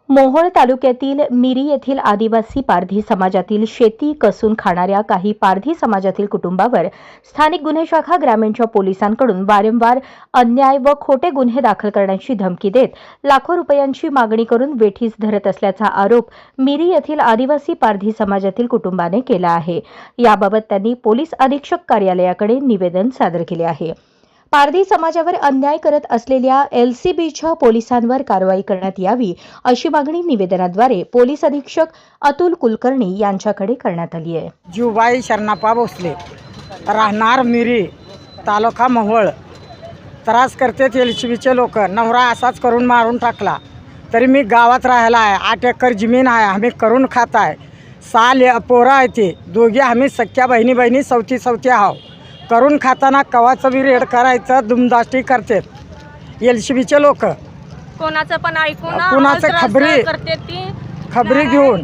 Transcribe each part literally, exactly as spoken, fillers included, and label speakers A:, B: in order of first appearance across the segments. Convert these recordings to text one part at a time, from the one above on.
A: मोहोळ तालुक्यातील मिरी येथील आदिवासी पारधी समाजातील शेती कसून खाणाऱ्या काही पारधी समाजातील कुटुंबावर स्थानिक गुन्हे शाखा ग्रामीणच्या पोलिसांकडून वारंवार अन्याय व खोटे गुन्हे दाखल करण्याची धमकी देत लाखो रुपयांची मागणी करून वेठीस धरत असल्याचा आरोप मिरी येथील आदिवासी पारधी समाजातील कुटुंबाने केला आहे। याबाबत त्यांनी पोलीस अधीक्षक कार्यालयाकडे निवेदन सादर केले आहे। पारधी समाजावर अन्याय करत असलेल्या एलसीबीच्या पोलिसांवर कारवाई करण्यात यावी अशी मागणी निवेदनाद्वारे पोलीस अधीक्षक अतुल कुलकर्णी यांच्याकडे करण्यात आली आहे।
B: जीवबाई शरणप्पा भोसले, राहणार मिरी, तालुका मोहोळ। त्रास करतेत एलसीबीचे लोक। नवरा असाच करून मारून टाकला, तरी मी गावात राहायला आहे। आठ एकर जमीन आहे, आम्ही करून खात आहे। साल पोरं आहे, ते दोघी आम्ही सख्या बहिणी बहिणी सवती सवती आहो। करून खाताना कवाचं बी रेड करायचं दुमदाष्टी करतात एलसीबीचे लोक।
C: कोणाचं पण ऐकून
B: कोणाचं खबरी
C: करते ती
B: खबरी घेऊन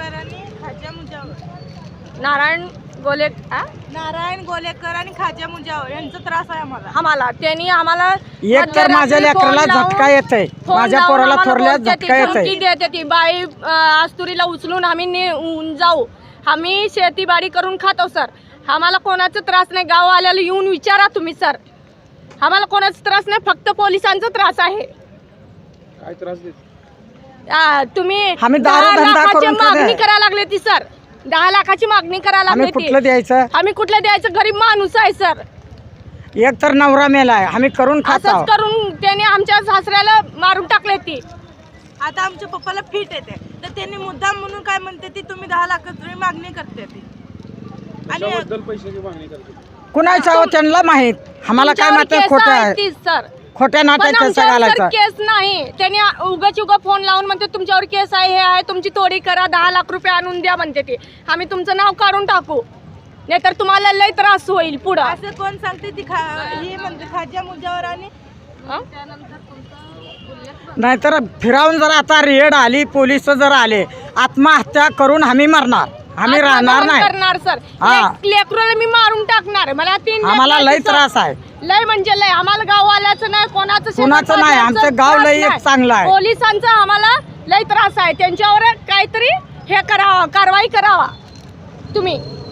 C: नारायण गोले
D: नारायण गोलेकर आणि खाजा मुजावर यांचा त्रास आहे आम्हाला
C: आम्हाला त्यांनी आम्हाला
B: एक तर माझ्या लेकराला झटका येतंय, माझ्या पोराला थोरल्या झटका येतंय।
C: देते ती बाई आस्तुरीला उचलून आम्ही नेऊन जाऊ। आम्ही शेतीबाडी करून खातो सर। आम्हाला कोणाचा त्रास नाही। गाववाल्याला येऊन विचारा तुम्ही सर, आम्हाला कोणाचा त्रास नाही, फक्त पोलिसांचा त्रास आहे।
E: काय त्रास देत?
C: तुम्ही
B: आम्ही दारू
C: दहा
B: धंदा
C: लाखाची
B: करून
C: मागणी
B: खाणे.
C: करायला लागले ती सर। दहा लाखाची मागणी करायला
B: आम्ही
C: लागले
B: कुठलं
C: ती।
B: द्यायचं?
C: आम्ही कुठलं द्यायचं? गरीब माणूस आहे सर।
B: एक तर नवरा मेलाय, आम्ही करून खात आहोत।
C: असंच करून त्याने आमच्या सासऱ्याला मारून टाकले ती।
D: आता आमच्या पप्पाला फिट येते, तर त्यांनी मुद्दाम म्हणून काय म्हणते ती तुम्ही दहा लाखाची मागणी करते ती। आणि
E: कशाबद्दल पैशाची मागणी करते?
B: कुणाच्या हो त्यांना माहित, आम्हाला काय
C: तुमच्यावर
B: माहिती
C: केस
B: खोटं
C: आहे
B: आहे,
C: ती सर।
B: खोट्या
C: पण
B: नाट्याचं
C: आमच्यावर सर
B: घालायचं।
C: केस नाही, त्यांनी उगाच उगा फोन लावून म्हणते तुमच्यावर केस आहे, हे आहे, तुमची तोडी करा, दहा लाख रुपये आणून द्या म्हणते ते। आम्ही तुमचं नाव काढून टाकू, नाहीतर तुम्हाला लय त्रास होईल पुढं।
D: असं कोण सांगते ती खा ही म्हणते खाजा मुजावर आणि
B: नाहीतर फिरावून जर आता रेड आली, पोलिस जर आले, आत्महत्या करून आम्ही मरणार, आम्ही राहणार नाही
C: करणार सर।
B: हा.
C: लेकराला मी मारून टाकणार। मला तीन
B: आम्हाला
C: लेकरं
B: लय
C: आहेत, सर.
B: त्रास आहे।
C: लय म्हणजे लय। आम्हाला गाववाल्याचं नाही, कोणाचं
B: कोणाचं
C: शेतात
B: नाही,
C: जायचं
B: आमचं गाव
C: त्रास
B: लय एक
C: नाही।
B: चांगलं आहे।
C: पोलिसांचा आम्हाला लय त्रास आहे, त्यांच्यावर काहीतरी हे करावं, कारवाई करावा तुम्ही।